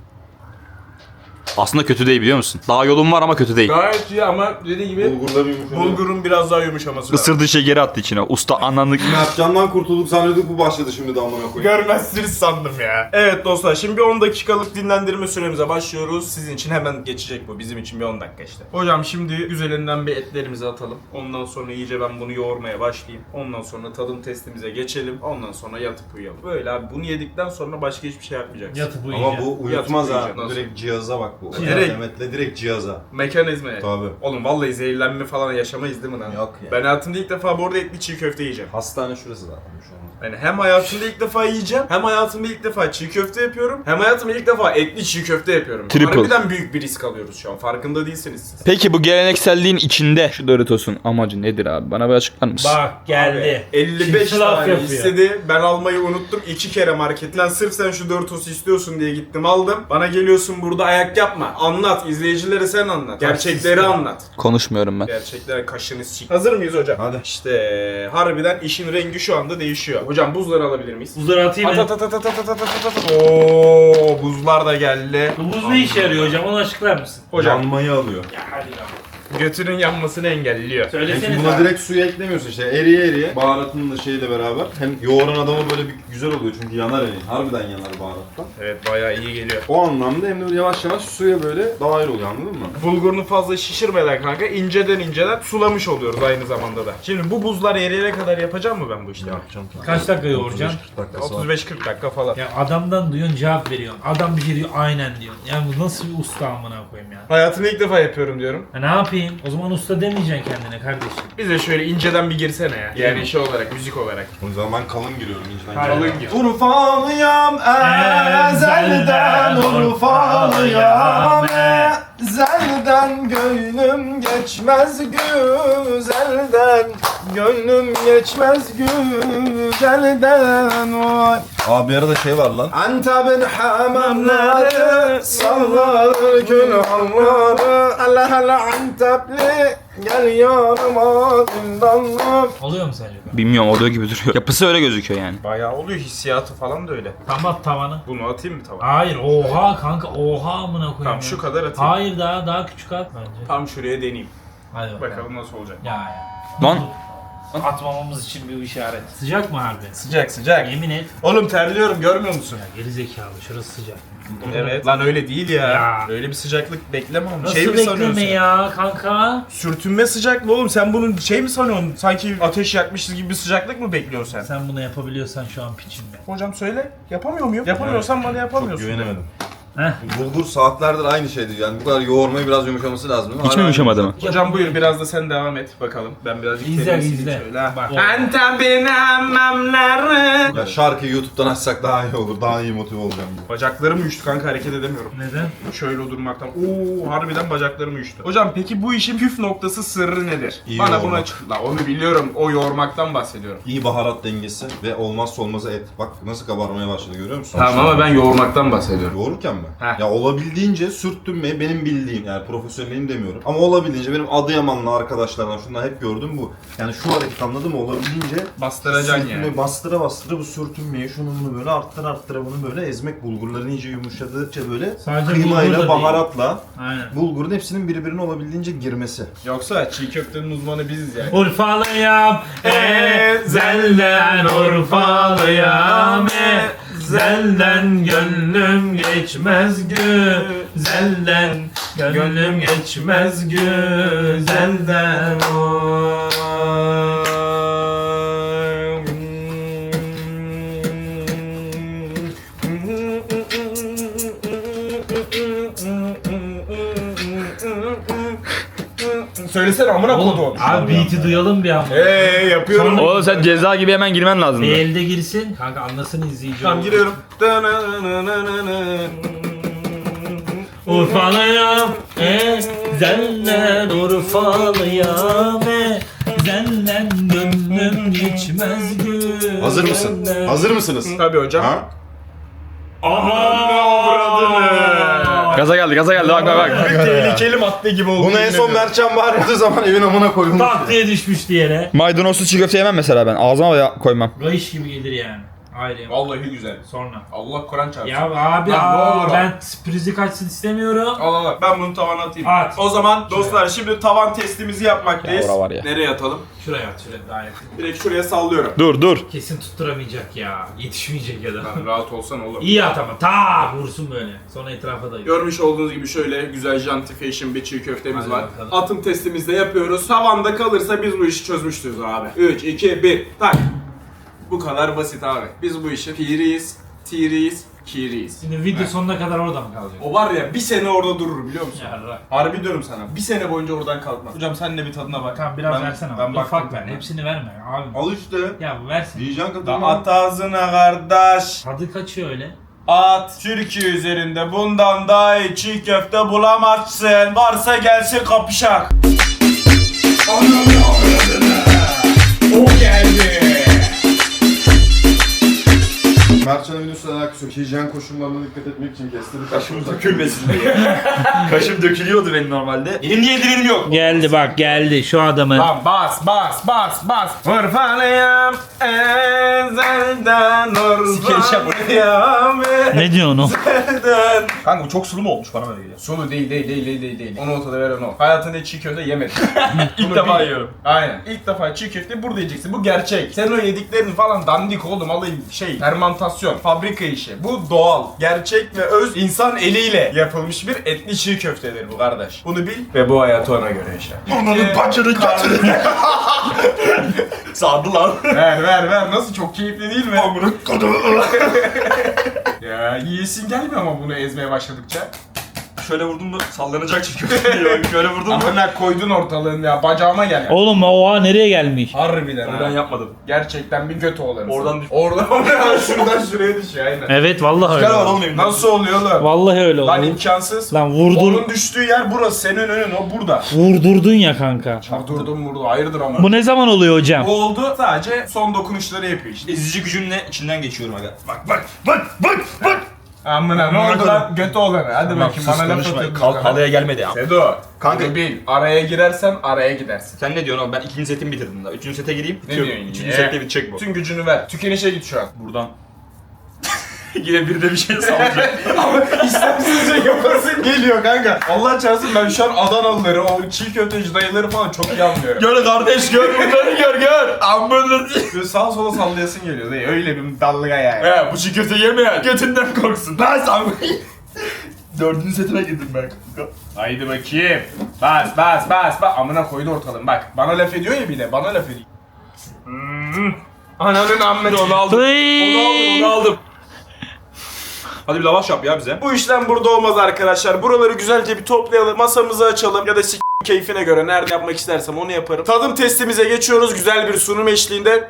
Speaker 5: Aslında kötü değil biliyor musun? Daha yolum var ama kötü değil.
Speaker 1: Gayet iyi ama dediği gibi
Speaker 3: Bulgurla bir yumuşamaya.
Speaker 1: bulgurun biraz daha yumuşaması lazım.
Speaker 5: Isırdığı şey geri attı içine. Usta ananlık.
Speaker 3: Mertcan'dan kurtulduk zannediyorduk, bu başladı şimdi de amına koyayım.
Speaker 1: Görmezsiniz sandım ya. Evet dostlar, şimdi bir on dakikalık dinlendirme süremize başlıyoruz. Sizin için hemen geçecek bu. Bizim için bir on dakika işte. Hocam şimdi güzelinden bir etlerimizi atalım. Ondan sonra iyice ben bunu yoğurmaya başlayayım. Ondan sonra tadım testimize geçelim. Ondan sonra yatıp uyuyalım. Böyle abi bunu yedikten sonra başka hiçbir şey yapmayacaksın.
Speaker 8: Yatıp uyuyacağım.
Speaker 3: Ama bu uyutmaz ha.
Speaker 1: Yatmayacağım. Nasıl?
Speaker 3: Direkt cihaza bak bu.
Speaker 1: Direkt.
Speaker 3: Demet'le direkt cihaza.
Speaker 1: Mekanizmaya.
Speaker 3: Tabii.
Speaker 1: Oğlum vallahi zehirlenme falan yaşamayız değil mi lan?
Speaker 3: Yok ya.
Speaker 1: Ben hayatımda ilk defa bu arada etli çiğ köfte yiyeceğim.
Speaker 3: Hastane şurası zaten şu an.
Speaker 1: Yani hem hayatımda ilk defa yiyeceğim, hem hayatımda ilk defa çiğ köfte yapıyorum, hem hayatımda ilk defa etli çiğ köfte yapıyorum.
Speaker 5: Triple.
Speaker 1: Harbiden büyük bir risk alıyoruz şu an. Farkında değilsiniz siz.
Speaker 5: Peki bu gelenekselliğin içinde şu Doritos'un amacı nedir abi? Bana bir açıklar mısın?
Speaker 8: Bak geldi.
Speaker 1: elli beş
Speaker 8: Kimse laf
Speaker 1: tane
Speaker 8: yapıyor.
Speaker 1: istedi. Ben almayı unuttum. iki kere marketten sırf sen şu Doritos'u istiyorsun diye gittim aldım. Bana geliyorsun burada ayak yapma. Anlat. İzleyicilere sen anlat. Gerçekleri anlat.
Speaker 5: Konuşmuyorum ben.
Speaker 1: Gerçekten kaşını sik. Hazır mıyız hocam?
Speaker 3: Hadi.
Speaker 1: İşte harbiden işin rengi şu anda değişiyor. Hocam buzları alabilir miyiz?
Speaker 8: Buzları atayım
Speaker 1: At
Speaker 8: mı?
Speaker 1: at at at at at at at at at. Oo, buzlar da geldi.
Speaker 8: Bu buz ne işe yarıyor hocam? Onu açıklar mısın?
Speaker 1: Hocam
Speaker 3: Yanmayı alıyor.
Speaker 8: Ya hadi lan.
Speaker 1: götünün yanmasını engelliyor.
Speaker 8: Söylesene
Speaker 3: Peki buna
Speaker 8: sen.
Speaker 3: direkt suyu eklemiyorsun işte, eriye eriye baharatının da şeyle beraber. Hem yoğuran adama böyle bir güzel oluyor çünkü yanar eli. Harbiden yanar baharattan.
Speaker 1: Evet bayağı iyi geliyor.
Speaker 3: O anlamda hem de böyle yavaş yavaş suya böyle dahil oluyor, anladın mı?
Speaker 1: Bulgurunu fazla şişirmeden kanka inceden inceden sulamış oluyoruz aynı zamanda da. Şimdi bu buzlar eriyene kadar yapacağım mı ben bu işlemi?
Speaker 3: Yapacağım.
Speaker 8: Kaç dakika yoğuracaksın?
Speaker 3: kırk dakikası var.
Speaker 1: otuz beş kırk dakika falan.
Speaker 8: Ya adamdan duyuyorsun cevap veriyorsun. Adam bir şey diyor aynen diyor. Yani bu nasıl bir usta amına koyayım ya.
Speaker 1: Hayatımda ilk defa yapıyorum diyorum.
Speaker 8: Ha, ne yapayım? O zaman usta demeyeceksin kendine kardeşim.
Speaker 1: Bize şöyle inceden bir girsene ya. Yani şey olarak, müzik olarak.
Speaker 3: O yüzden ben kalın giriyorum inceden.
Speaker 8: Hayır.
Speaker 1: Kalın gir.
Speaker 3: Urfalıyam ezelden, Urfalıyam ezelden, gönlüm
Speaker 1: geçmez güzelden, gönlüm geçmez güzelden. Vay.
Speaker 3: Abi bir arada şey var lan.
Speaker 1: Antep'in hamamları sallar kül halları. Allah Allah Antepli gel yanıma zindanlar.
Speaker 8: Oluyor mu sence?
Speaker 5: Bilmiyorum oluyor gibi duruyor. Yapısı öyle gözüküyor yani.
Speaker 1: Bayağı oluyor, hissiyatı falan da öyle.
Speaker 8: Tam at tavanı.
Speaker 1: Bunu atayım mı tavana?
Speaker 8: Hayır oha kanka oha amına koyayım.
Speaker 1: Tamam
Speaker 8: ya.
Speaker 1: şu kadar atayım.
Speaker 8: Hayır daha daha küçük at bence.
Speaker 1: Tam şuraya deneyeyim.
Speaker 8: Hadi bakalım.
Speaker 1: Bakalım nasıl olacak.
Speaker 8: Ya ya.
Speaker 5: Lan
Speaker 8: Atmamamız için bir işaret. Sıcak mı harbi?
Speaker 1: Sıcak sıcak.
Speaker 8: Yemin et.
Speaker 1: Oğlum terliyorum, görmüyor musun?
Speaker 8: Ya geri zekalı şurası sıcak.
Speaker 1: Evet. Lan öyle değil ya.
Speaker 8: Ya.
Speaker 1: Öyle bir sıcaklık bekleme oğlum.
Speaker 8: Nasıl
Speaker 1: Şey mi sanıyorsun?
Speaker 8: bekleme ya kanka?
Speaker 1: Sürtünme sıcaklığı oğlum. Sen bunun şey mi sanıyorsun? Sanki ateş yakmışız gibi bir sıcaklık mı bekliyorsun sen?
Speaker 8: Sen bunu yapabiliyorsan şu an piçimde.
Speaker 1: Hocam söyle. Yapamıyor muyum? Yapamıyorsan bana yapamıyorsun.
Speaker 3: Güvenemedim.
Speaker 8: Heh.
Speaker 3: Bulgur saatlerdir aynı şeydi yani bu kadar yoğurmayı biraz yumuşaması lazım.
Speaker 5: hiç mi yumuşamadı mı?
Speaker 1: Hocam buyur biraz da sen devam et bakalım. Ben birazcık
Speaker 8: İzle,
Speaker 1: terbiyesini
Speaker 8: izle.
Speaker 1: söyle ha.
Speaker 8: Bak.
Speaker 1: Antep'in hamamları.
Speaker 3: Ya şarkıyı YouTube'dan açsak daha iyi olur. Daha iyi motive olacağım gibi.
Speaker 1: Bacaklarım uyuştu kanka, hareket edemiyorum.
Speaker 8: Neden?
Speaker 1: Şöyle durmaktan. Oo harbiden bacaklarım uyuştu. Hocam peki bu işin püf noktası sırrı nedir?
Speaker 3: İyi
Speaker 1: Bana bunu
Speaker 3: yoğurmak.
Speaker 1: açıkla. Onu biliyorum. O yoğurmaktan bahsediyorum.
Speaker 3: İyi baharat dengesi ve olmazsa olmazı et. Bak nasıl kabarmaya başladı görüyor musun?
Speaker 1: Tamam ama ben yoğurmaktan bahsediyorum.
Speaker 3: Yoğururken mi?
Speaker 1: Heh.
Speaker 3: Ya olabildiğince sürttürmeyi benim bildiğim yani profesyonelim demiyorum. Ama olabildiğince benim Adıyamanlı arkadaşlardan şundan hep gördüm bu. Yani şu hareket anladın mı? Olabildiğince
Speaker 1: Bastıracaksın
Speaker 3: sürtünmeyi
Speaker 1: yani.
Speaker 3: bastıra bastıra bu sürtünmeyi şunu bunu böyle arttıra arttıra bunu böyle ezmek bulgurların iyice yumuşadıkça böyle
Speaker 8: Sadece bulgur da
Speaker 3: kıymayla
Speaker 8: değil.
Speaker 3: baharatla
Speaker 8: Aynen.
Speaker 3: bulgurun hepsinin birbirine olabildiğince girmesi.
Speaker 1: Yoksa çiğ köftenin uzmanı biziz yani.
Speaker 8: Urfalıyam ezelden Urfalıyam ezelden gönlüm geçmez güzelden gönlüm geçmez güzelden
Speaker 1: Söylesene amına
Speaker 8: Oğlum
Speaker 1: koduğum.
Speaker 8: abi beat'i duyalım bir an.
Speaker 1: Eee yapıyorum.
Speaker 5: Oğlum sen ceza gibi hemen girmen lazım.
Speaker 8: Bir elde girsin. Kanka anlasın izleyici.
Speaker 1: Tamam
Speaker 8: olur.
Speaker 1: giriyorum.
Speaker 8: Urfalıyam ezelden Urfalıyam ezelden gönlüm geçmez güzelden.
Speaker 3: Hazır mısın? Hazır mısınız?
Speaker 1: Tabii hocam.
Speaker 3: Ha?
Speaker 5: Gaza geldi gaza geldi bak bak bak.
Speaker 1: Tehlikeli madde gibi oldu.
Speaker 3: Bunu en
Speaker 1: yemin
Speaker 3: son
Speaker 1: ediyorum.
Speaker 3: Mertcan bağırdığı zaman evin amına koyulmuş.
Speaker 8: Tak diye düşmüştü yere.
Speaker 5: Maydanozlu çiğ köfte yemem mesela ben. Ağzıma da koymam.
Speaker 8: Rayış gibi gelir yani. Ayrı.
Speaker 1: Vallahi güzel.
Speaker 8: Sonra.
Speaker 1: Allah Kur'an çarpsın.
Speaker 8: Ya abi
Speaker 1: Lan ne
Speaker 8: aa,
Speaker 1: olur
Speaker 8: ben sürprizi kaçsın istemiyorum.
Speaker 1: Al al al. Ben bunu tavana atayım.
Speaker 8: At.
Speaker 1: O zaman dostlar şimdi tavan testimizi yapmaktayız.
Speaker 5: Ya ora var ya.
Speaker 1: Nereye atalım?
Speaker 8: Şuraya at şuraya daha yakın.
Speaker 1: Direkt şuraya sallıyorum.
Speaker 5: Dur dur.
Speaker 8: Kesin tutturamayacak ya. Yetişmeyecek ya da.
Speaker 1: Lan rahat olsan oğlum.
Speaker 8: İyi at ama ta vursun böyle. Sonra etrafa dayıyor.
Speaker 1: Görmüş olduğunuz gibi şöyle güzel janti fashion bir çiğ köftemiz
Speaker 8: Hadi
Speaker 1: var.
Speaker 8: bakalım.
Speaker 1: Atım testimizde yapıyoruz. Tavanda kalırsa biz bu işi çözmüştür abi. üç, iki, bir, tak. Bu kadar basit abi. Biz bu işi piriyiz, tiriyiz, kiriyiz.
Speaker 8: Şimdi video sonuna kadar orada mı kalacak?
Speaker 1: O var ya bir sene orada durur biliyor musun?
Speaker 8: Yarrak.
Speaker 1: Harbi diyorum sana. Bir sene boyunca oradan kalkmaz. Hocam sen de bir tadına bak.
Speaker 8: Tamam biraz
Speaker 1: Ben-
Speaker 8: versene
Speaker 1: Ben
Speaker 8: abi.
Speaker 1: baktım
Speaker 8: Ufak ver.
Speaker 1: tadına.
Speaker 8: Hepsini verme abi.
Speaker 3: Al işte.
Speaker 8: Ya bu versin.
Speaker 3: Yiyeceksin
Speaker 1: Da
Speaker 3: kadını.
Speaker 1: at ağzına kardeş.
Speaker 8: Tadı kaçıyor öyle.
Speaker 1: At. Türkiye üzerinde bundan daha iyi çiğ köfte bulamazsın. Varsa gelsin kapışak. O geldi.
Speaker 3: Mertcan'ın videosuyla alakası yok. Hijyen koşullarına dikkat etmek için kestirdik.
Speaker 5: Kaşım dökülmesin diye. Kaşım dökülüyordu benim normalde.
Speaker 1: Benim niye dilim yok?
Speaker 8: Geldi bak geldi şu adamı.
Speaker 1: Lan bas bas bas bas. Urfalıyam ezelden Urfalıyam
Speaker 8: Ne diyorsun o?
Speaker 1: ezelden.
Speaker 2: Kanka bu çok sulu mu olmuş bana böyle geliyor.
Speaker 1: Sulu değil değil değil değil değil değil. Onu ortada veren o. Hayatında hiç çiğ köfte yemedim.
Speaker 2: İlk
Speaker 1: Bunu
Speaker 2: defa
Speaker 1: bil.
Speaker 2: yiyorum.
Speaker 1: Aynen. İlk defa çiğ köfte burada yiyeceksin. Bu gerçek. Sen o yediklerin falan dandik oğlum. Alayım şey fermantasyon, fabrika işi. Bu doğal, gerçek ve öz insan eliyle yapılmış bir etli çiğ köftedir bu kardeş. Bunu bil ve bu hayatı ona göre yaşa.
Speaker 3: Ananın bacını götürün.
Speaker 2: Sardı lan.
Speaker 1: Ver ver ver. Nasıl çok keyifli değil mi?
Speaker 3: Amına kodum.
Speaker 1: Ya yiyesin gelmiyor ama bunu ezmeye başladıkça.
Speaker 5: Şöyle vurdum mu sallanacak çiğ köfte diyor. Şöyle vurdum mu.
Speaker 1: Amına koydun ortalığını ya. Bacağıma gel.
Speaker 8: Oğlum oha nereye gelmiş?
Speaker 1: Harbiden
Speaker 5: Onu
Speaker 1: ha.
Speaker 5: ben yapmadım.
Speaker 1: Gerçekten bir göt oğlanısın.
Speaker 5: Oradan düş-
Speaker 1: Oradan oraya şuradan şuraya düşüyor aynen.
Speaker 8: Evet vallahi öyle.
Speaker 5: Gel var
Speaker 8: oldu.
Speaker 5: oğlum elimden.
Speaker 1: Nasıl oluyor lan?
Speaker 8: Vallahi öyle oldu.
Speaker 1: Lan imkansız.
Speaker 8: Lan vurdur,
Speaker 1: Onun düştüğü yer burası. Senin önün o burada.
Speaker 8: vurdurdun ya kanka.
Speaker 1: Çarptırdım vurdu. Hayırdır ama.
Speaker 8: Bu ne zaman oluyor hocam?
Speaker 1: Bu oldu. Sadece son dokunuşları yapıyor işte.
Speaker 5: Ezici gücümle içinden geçiyorum aga. Bak bak bak bak bak.
Speaker 1: Amına ne oldu lan? Göt oğlanı. Hadi bakayım bana laf atıyorsun.
Speaker 5: Kal halıya gelmedi ya.
Speaker 1: Sedo.
Speaker 5: Kanka-
Speaker 1: Kanka bil. Araya girersen araya gidersin.
Speaker 5: Sen ne diyorsun oğlum? Ben ikinci setimi bitirdim daha. Üçüncü sete gireyim.
Speaker 1: Ne
Speaker 5: bitiyor.
Speaker 1: diyorsun?
Speaker 5: Üçüncü
Speaker 1: Ye.
Speaker 5: sette bitecek bu.
Speaker 1: Bütün gücünü ver. Tükenişe git şu an.
Speaker 5: Buradan. Yine bir de bir şey sallayacak.
Speaker 1: Ama istemsizce yapasın geliyor kanka. Allah çarpsın ben şu an Adanalıları, o çiğ köfteci dayıları falan çok iyi anlıyorum.
Speaker 5: Gör kardeş gör bunları gör gör. Amına.
Speaker 1: Böyle sağa sola sallayasın geliyor dayı. Öyle bir dalga yani.
Speaker 5: He bu çiğ köfte yemeyen götünden korksun. Ben sana. Dördüncü setine girdim ben.
Speaker 1: Haydi bakayım. Bas bas bas bas. Amına koydu ortalığın bak. Bana laf ediyor ya bir de. Bana laf ediyor. Hmm. Ananın ammeti onu aldım.
Speaker 8: Hıy.
Speaker 5: Onu aldım onu aldım. Hadi bir lavaş yap ya bize.
Speaker 1: Bu işlem burada olmaz arkadaşlar. Buraları güzelce bir toplayalım. Masamızı açalım. Ya da s*** keyfine göre nerede yapmak istersem onu yaparım. Tadım testimize geçiyoruz. Güzel bir sunum eşliğinde.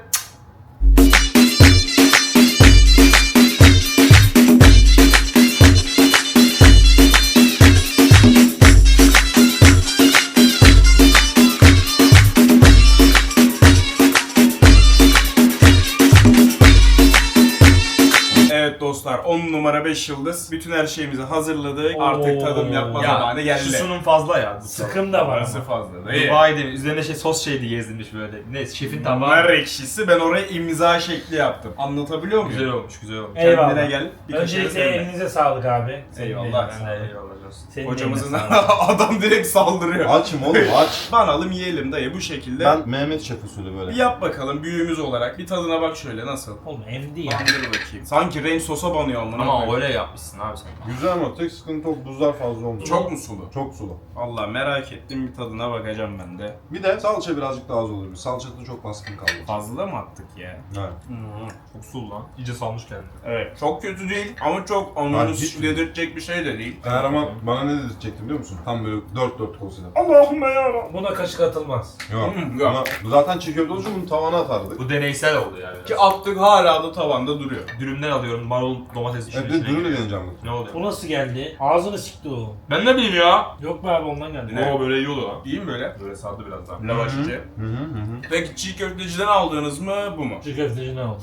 Speaker 1: Evet dostlar on numara beş yıldız. Bütün her şeyimizi hazırladık. Artık tadım yapma zamanı geldi.
Speaker 5: Şu sunum fazla ya.
Speaker 8: Sıkım da var.
Speaker 1: Parası fazla değil.
Speaker 5: Dubai'de üzerine şey sos şeydi gezdirmiş böyle. Ne şefin
Speaker 1: Nar
Speaker 5: tabağı.
Speaker 1: ekşisi ben oraya imza şekli yaptım. Anlatabiliyor muyum?
Speaker 5: Güzel olmuş güzel olmuş.
Speaker 8: Eyvallah.
Speaker 1: Kendine gel. Bir kaşığı
Speaker 8: Öncelikle
Speaker 1: sevme.
Speaker 8: elinize sağlık abi. Senin
Speaker 1: Eyvallah.
Speaker 8: eline
Speaker 5: Ben de
Speaker 8: sağlık.
Speaker 5: eyvallah olsun.
Speaker 8: Senin
Speaker 1: Hocamızın
Speaker 8: eline sağlık.
Speaker 1: adam direkt saldırıyor.
Speaker 3: Açım oğlum aç.
Speaker 1: Banalım yiyelim dayı bu şekilde.
Speaker 3: Ben Mehmet Şef usulü böyle.
Speaker 1: Bir yap bakalım büyüğümüz olarak. Bir tadına bak şöyle nasıl?
Speaker 8: Oğlum emdi ya.
Speaker 1: Bandır bakayım. Sanki renk sosa banıyor amına
Speaker 5: Ama
Speaker 1: koyayım.
Speaker 5: öyle yapmışsın abi sen.
Speaker 3: Güzel ama tek sıkıntı o buzlar fazla olmuş.
Speaker 1: Çok mu sulu?
Speaker 3: Çok sulu.
Speaker 1: Allah merak ettim bir tadına bakacağım ben de.
Speaker 3: Bir de salça birazcık daha az olur. Salça tadı çok baskın kaldı.
Speaker 1: Fazla mı attık ya?
Speaker 3: Evet.
Speaker 5: Çok sulu lan. İyice salmış kendini.
Speaker 1: Evet. Çok kötü değil ama çok
Speaker 3: Ben
Speaker 1: onu
Speaker 3: hiç-
Speaker 1: dedirtecek bir şey de değil.
Speaker 3: Eğer ama bana ne dedirtecektim biliyor musun? Tam böyle dört dört olsaydı.
Speaker 1: Allahümme yarabbim.
Speaker 8: Buna kaşık atılmaz.
Speaker 3: Yok.
Speaker 1: Hmm, yok.
Speaker 3: Ama bu zaten çiğ köfte olunca bunu tavana atardık.
Speaker 5: Bu deneysel oldu yani.
Speaker 1: Ki attık hala da tavanda duruyor.
Speaker 5: Dürümden alıyorum marul domates işin
Speaker 3: Evet bir
Speaker 5: içine
Speaker 3: de dürümle
Speaker 5: giriyor.
Speaker 3: deneyeceğim bunu.
Speaker 5: Ne oluyor?
Speaker 8: Bu nasıl geldi? Ağzını sikti o.
Speaker 5: Ben ne bileyim ya.
Speaker 8: Yok be abi ondan geldi.
Speaker 1: Ne?
Speaker 5: Oo böyle iyi oldu lan.
Speaker 1: İyi mi böyle?
Speaker 5: Böyle sardı biraz daha.
Speaker 1: Lavaş içi.
Speaker 3: Hı hı hı. hı.
Speaker 1: Peki çiğ köfteciden aldığınız mı bu mu?
Speaker 8: Çiğ köfteci ne oldu?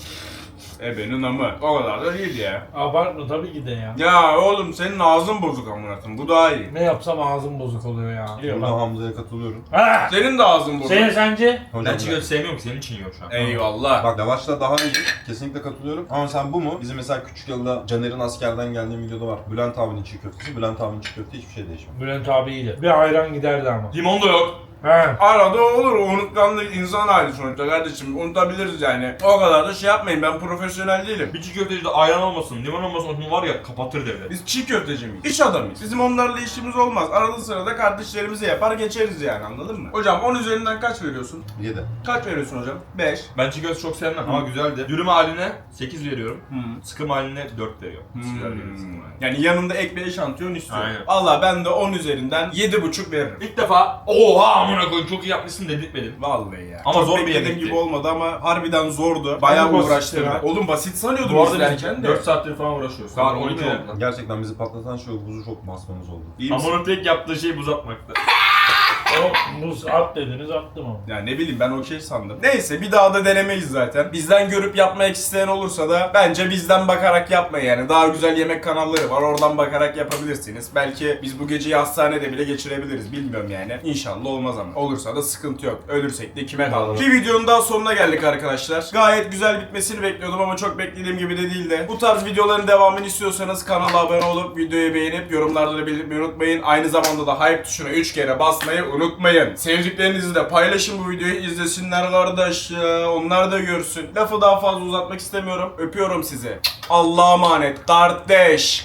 Speaker 1: Ebenin amı. O kadar da değil ya.
Speaker 8: Abartma tabii ki de ya.
Speaker 1: Ya oğlum senin ağzın bozuk amına koyayım. Bu daha iyi.
Speaker 8: Ne yapsam ağzım bozuk oluyor ya. Biliyor
Speaker 3: Burada
Speaker 8: bak.
Speaker 3: Hamza'ya katılıyorum.
Speaker 8: Ha!
Speaker 1: Senin de ağzın bozuk.
Speaker 8: Senin sence?
Speaker 3: Hocam
Speaker 5: Ben çiğ köfte sevmiyorum ki senin için yiyorum şu an.
Speaker 1: Eyvallah.
Speaker 3: Bak lavaşla daha iyi. Kesinlikle katılıyorum. Ama sen bu mu? Bizim mesela küçük yılda Caner'in askerden geldiği videoda var. Bülent abinin çiğ köftesi. Bülent abinin çiğ köfte hiçbir şey değişmiyor.
Speaker 8: Bülent abi iyiydi. Bir ayran giderdi ama.
Speaker 5: Limon da yok.
Speaker 8: He.
Speaker 1: Arada olur o unutkanlık insan hali sonuçta kardeşim. Unutabiliriz yani. O kadar da şey yapmayın ben profesyonel değilim.
Speaker 5: Bir çiğ köftecide ayran olmasın, limon olmasın onu var ya kapatır devlet.
Speaker 1: Biz çiğ köfteci miyiz? İş adamıyız. Bizim onlarla işimiz olmaz. Arada sırada kardeşlerimize yapar geçeriz yani anladın mı? Hocam on üzerinden kaç veriyorsun?
Speaker 3: yedi.
Speaker 1: Kaç veriyorsun hocam? beş.
Speaker 5: Ben çiğ köfte çok sevmem ama güzeldi. Dürüm haline sekiz veriyorum.
Speaker 1: Hı.
Speaker 5: Sıkım haline dört veriyorum.
Speaker 1: Hmm.
Speaker 5: Güzel veriyorum sıkım haline.
Speaker 1: Yani yanında ek bir eşantiyon istiyorum.
Speaker 5: Aynen.
Speaker 1: Valla ben de on üzerinden yedi buçuk veririm.
Speaker 5: İlk defa oha amına koyayım çok iyi yapmışsın dedirtmedim.
Speaker 1: Vallahi ya.
Speaker 5: Ama
Speaker 1: Çok
Speaker 5: zor bir
Speaker 1: beklediğim
Speaker 5: yemekti.
Speaker 1: gibi olmadı ama harbiden zordu. Bayağı
Speaker 8: Ama basit
Speaker 1: uğraştım.
Speaker 8: ya.
Speaker 1: Oğlum basit sanıyordum
Speaker 5: Bu arada
Speaker 1: izlerken
Speaker 5: biz
Speaker 1: de.
Speaker 5: dört saattir falan uğraşıyoruz.
Speaker 1: Saat
Speaker 5: Saat on iki
Speaker 1: oldu ya.
Speaker 5: oldu lan.
Speaker 3: Gerçekten bizi patlatan şey o buzu çok basmamız oldu.
Speaker 1: İyi misin?
Speaker 5: Amonun tek yaptığı şey buz atmaktı.
Speaker 8: O buz at dediniz attım ama.
Speaker 1: Ya ne bileyim ben okey sandım. Neyse bir daha da denemeyiz zaten. Bizden görüp yapmak isteyen olursa da bence bizden bakarak yapmayın yani. Daha güzel yemek kanalları var oradan bakarak yapabilirsiniz. Belki biz bu geceyi hastanede bile geçirebiliriz bilmiyorum yani. İnşallah olmaz ama. Olursa da sıkıntı yok. Ölürsek de kime kalır. Bir videonun daha sonuna geldik arkadaşlar. Gayet güzel bitmesini bekliyordum ama çok beklediğim gibi de değil de. Bu tarz videoların devamını istiyorsanız kanala abone olup videoyu beğenip yorumlarda da belirtmeyi unutmayın. Aynı zamanda da hype tuşuna üç kere basmayı unutmayın. Sevdiklerinizi de paylaşın bu videoyu izlesinler kardeş ya. Onlar da görsün. Lafı daha fazla uzatmak istemiyorum. Öpüyorum sizi. Allah'a emanet. Kardeş.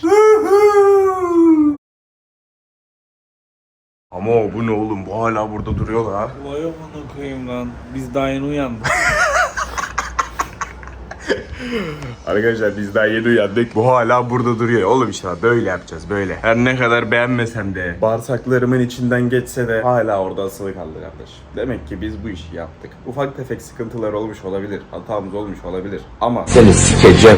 Speaker 1: Ama bu ne oğlum? Bu hala burada duruyorlar ha.
Speaker 8: Vay amına koyayım lan. Biz daha yeni uyandık.
Speaker 1: Arkadaşlar biz daha yeni uyandık. Bu hala burada duruyor. Oğlum işte böyle yapacağız böyle. Her ne kadar beğenmesem de, bağırsaklarımın içinden geçse de hala orada asılı kaldı kardeş. Demek ki biz bu işi yaptık. Ufak tefek sıkıntılar olmuş olabilir. Hatamız olmuş olabilir. Ama
Speaker 4: Seni sikeceğim.